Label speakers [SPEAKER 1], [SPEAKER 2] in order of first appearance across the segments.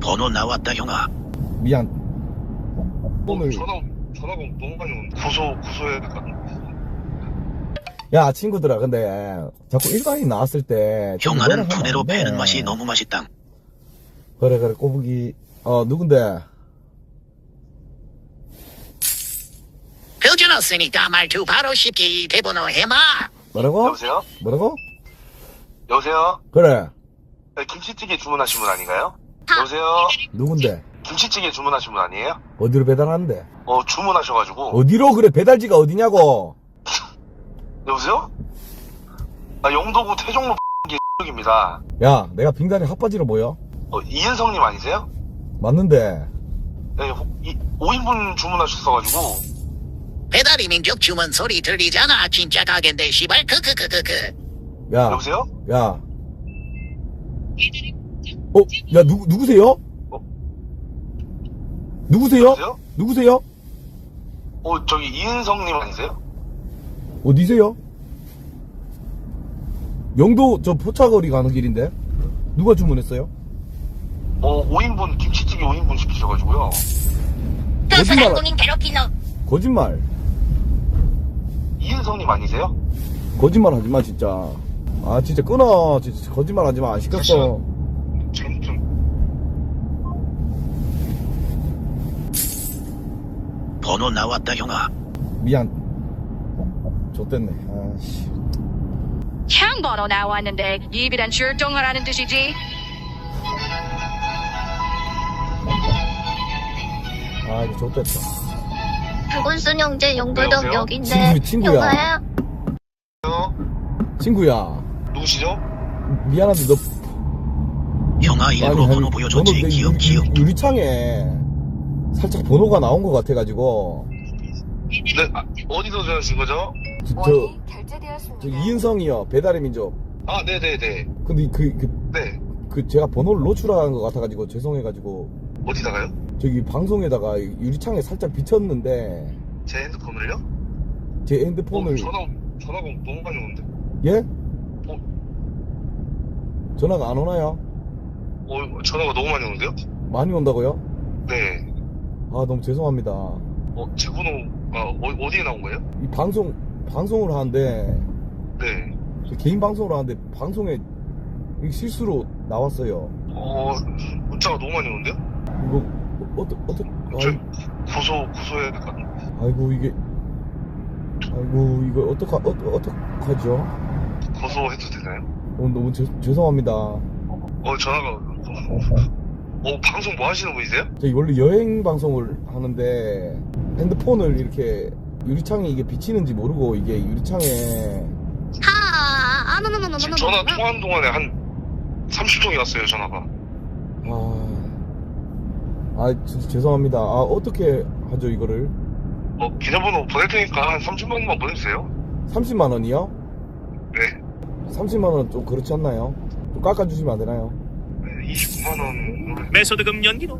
[SPEAKER 1] 번호 나왔다 형아.
[SPEAKER 2] 미안. 오늘
[SPEAKER 3] 전화가 너무 많이 오는데 고소해야 될 것 같은데.
[SPEAKER 2] 야 친구들아, 근데 자꾸 일반인 나왔을 때 좀 뭐라
[SPEAKER 1] 형아는
[SPEAKER 2] 하면
[SPEAKER 1] 두뇌로
[SPEAKER 2] 안 돼.
[SPEAKER 1] 패는 맛이 너무 맛있다.
[SPEAKER 2] 그래 꼬부기. 누군데?
[SPEAKER 1] 표준었으니까 말투 바로 쉽게 대번호 해마.
[SPEAKER 2] 뭐라고?
[SPEAKER 3] 여보세요?
[SPEAKER 2] 뭐라고?
[SPEAKER 3] 여보세요?
[SPEAKER 2] 그래.
[SPEAKER 3] 네, 김치찌개 주문하신 분 아닌가요? 여보세요?
[SPEAKER 2] 누군데?
[SPEAKER 3] 김치찌개 주문하신 분 아니에요?
[SPEAKER 2] 어디로 배달하는데?
[SPEAKER 3] 주문하셔가지고.
[SPEAKER 2] 어디로? 그래, 배달지가 어디냐고.
[SPEAKER 3] 여보세요? 영도구 태종로 입니다.
[SPEAKER 2] 야, 내가 빙단이 핫바지로 보여?
[SPEAKER 3] 이은성님 아니세요?
[SPEAKER 2] 맞는데.
[SPEAKER 3] 네, 5인분 주문하셨어가지고.
[SPEAKER 1] 배달이 민족 주문 소리 들리잖아. 진짜 가게인데 시발 크크크크크.
[SPEAKER 2] 야,
[SPEAKER 3] 여보세요?
[SPEAKER 2] 야. 야, 누구세요? 누구세요?
[SPEAKER 3] 여보세요?
[SPEAKER 2] 누구세요?
[SPEAKER 3] 저기 이은성님 아니세요?
[SPEAKER 2] 어디세요? 영도 저 포차거리 가는 길인데. 누가 주문했어요?
[SPEAKER 3] 5인분 김치찌개 5인분 시키셔가지고요.
[SPEAKER 1] 또
[SPEAKER 2] 거짓말.
[SPEAKER 1] 소상공인 괴롭힌 놈.
[SPEAKER 2] 거짓말.
[SPEAKER 3] 이은성님 아니세요?
[SPEAKER 2] 거짓말 하지 마, 진짜. 아, 진짜 끊어. 진짜 거짓말 하지 마. 안 시켰어.
[SPEAKER 3] 잘못 좀.
[SPEAKER 1] 번호 나왔다 형아.
[SPEAKER 2] 미안. 좆됐네. 아씨.
[SPEAKER 4] 향 번호 나왔는데 입이란 출동하라는 뜻이지.
[SPEAKER 2] 아, 이거 좆됐다.
[SPEAKER 5] 부군순 형제 용불동
[SPEAKER 3] 여보세요?
[SPEAKER 5] 역인데
[SPEAKER 2] 친구야.
[SPEAKER 5] 형아야?
[SPEAKER 2] 친구야.
[SPEAKER 3] 누구시죠?
[SPEAKER 2] 미안한데 너
[SPEAKER 1] 형아 일부러 번호 보여줬지.
[SPEAKER 2] 내
[SPEAKER 1] 기억.
[SPEAKER 2] 유리창에 살짝 번호가 나온 것 같아가지고.
[SPEAKER 3] 네, 어디서 전화하신 거죠?
[SPEAKER 2] 저 이은성이요. 배달의 민족.
[SPEAKER 3] 네네네.
[SPEAKER 2] 근데
[SPEAKER 3] 네.
[SPEAKER 2] 제가 번호를 노출한 것 같아가지고 죄송해가지고
[SPEAKER 3] 어디다가요?
[SPEAKER 2] 저기 방송에다가 유리창에 살짝 비쳤는데
[SPEAKER 3] 제 핸드폰을요?
[SPEAKER 2] 제 핸드폰을
[SPEAKER 3] 전화가 너무 많이 오는데.
[SPEAKER 2] 예? 전화가 안 오나요?
[SPEAKER 3] 전화가 너무 많이 오는데요?
[SPEAKER 2] 많이 온다고요?
[SPEAKER 3] 네.
[SPEAKER 2] 아, 너무 죄송합니다.
[SPEAKER 3] 제 번호가 어디에 나온 거예요?
[SPEAKER 2] 이 방송을 하는데
[SPEAKER 3] 네.
[SPEAKER 2] 저 개인 방송을 하는데 방송에 이게 실수로 나왔어요.
[SPEAKER 3] 문자가 너무 많이 오는데요?
[SPEAKER 2] 이거
[SPEAKER 3] 저 고소해야 될 것 같은데.
[SPEAKER 2] 아이고 이거 어떡하죠?
[SPEAKER 3] 고소해도 되나요?
[SPEAKER 2] 너무 죄송합니다.
[SPEAKER 3] 전화가. 방송 뭐 하시는 분이세요?
[SPEAKER 2] 저희 원래 여행 방송을 하는데 핸드폰을 이렇게 유리창에 이게 비치는지 모르고 이게 유리창에
[SPEAKER 3] 지금 전화 통화하는 동안에 한 30통이 왔어요, 전화가.
[SPEAKER 2] 진짜 죄송합니다. 어떻게 하죠 이거를?
[SPEAKER 3] 계좌번호 보낼 테니까 한 30만 원만 보내주세요.
[SPEAKER 2] 30만 원이요?
[SPEAKER 3] 네.
[SPEAKER 2] 30만 원은 좀 그렇지 않나요? 좀 깎아주시면 안 되나요?
[SPEAKER 3] 네, 29만 원.
[SPEAKER 1] 매소득금 연기로.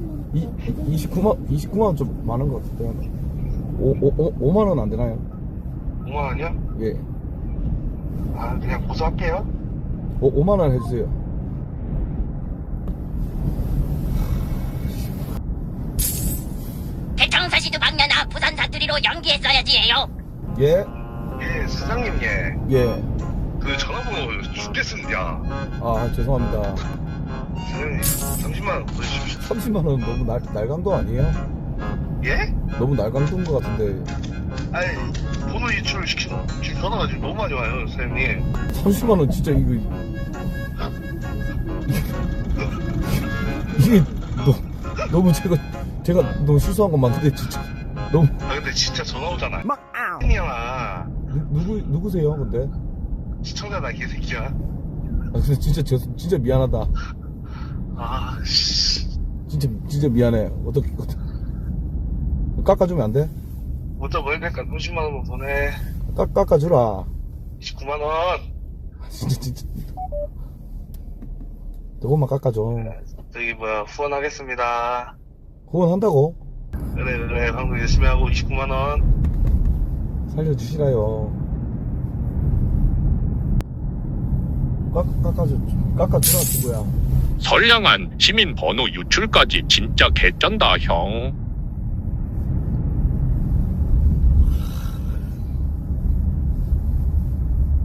[SPEAKER 2] 29만 원 좀 많은 것 같은데. 5만 원 안 되나요?
[SPEAKER 3] 5만 원이요?
[SPEAKER 2] 예.
[SPEAKER 3] 그냥 고소할게요.
[SPEAKER 2] 5만 원 해주세요.
[SPEAKER 1] 대청사시도 박년아 부산 사투리로 연기했어야지예요.
[SPEAKER 2] 예?
[SPEAKER 3] 예, 사장님, 예.
[SPEAKER 2] 예.
[SPEAKER 3] 그 전화번호 죽겠습니다.
[SPEAKER 2] 죄송합니다.
[SPEAKER 3] 사장님, 30만 원 보내주십시오.
[SPEAKER 2] 30만 원 너무 날강도 아니에요?
[SPEAKER 3] 예?
[SPEAKER 2] 너무 날강도인 것 같은데.
[SPEAKER 3] 번호 유출을 지금 전화가 지금 너무 많이 와요, 사장님.
[SPEAKER 2] 30만 원 진짜 이게 너무 제가 너무 실수한 건 맞는데 진짜 너무.
[SPEAKER 3] 근데 진짜 전화 오잖아. 형아.
[SPEAKER 2] 누구세요 근데?
[SPEAKER 3] 시청자다, 개새끼야.
[SPEAKER 2] 근데 진짜 미안하다.
[SPEAKER 3] 씨.
[SPEAKER 2] 진짜 미안해. 어떻게 깎아주면 안 돼?
[SPEAKER 3] 문자 보내니까 30만 원만 보내.
[SPEAKER 2] 깎아주라.
[SPEAKER 3] 29만 원.
[SPEAKER 2] 진짜 조금만 깎아줘.
[SPEAKER 3] 후원하겠습니다.
[SPEAKER 2] 후원한다고?
[SPEAKER 3] 그래, 방송 열심히 하고 29만 원.
[SPEAKER 2] 살려주시라요. 깎아주라 친구야.
[SPEAKER 6] 선량한 시민 번호 유출까지 진짜 개쩐다 형.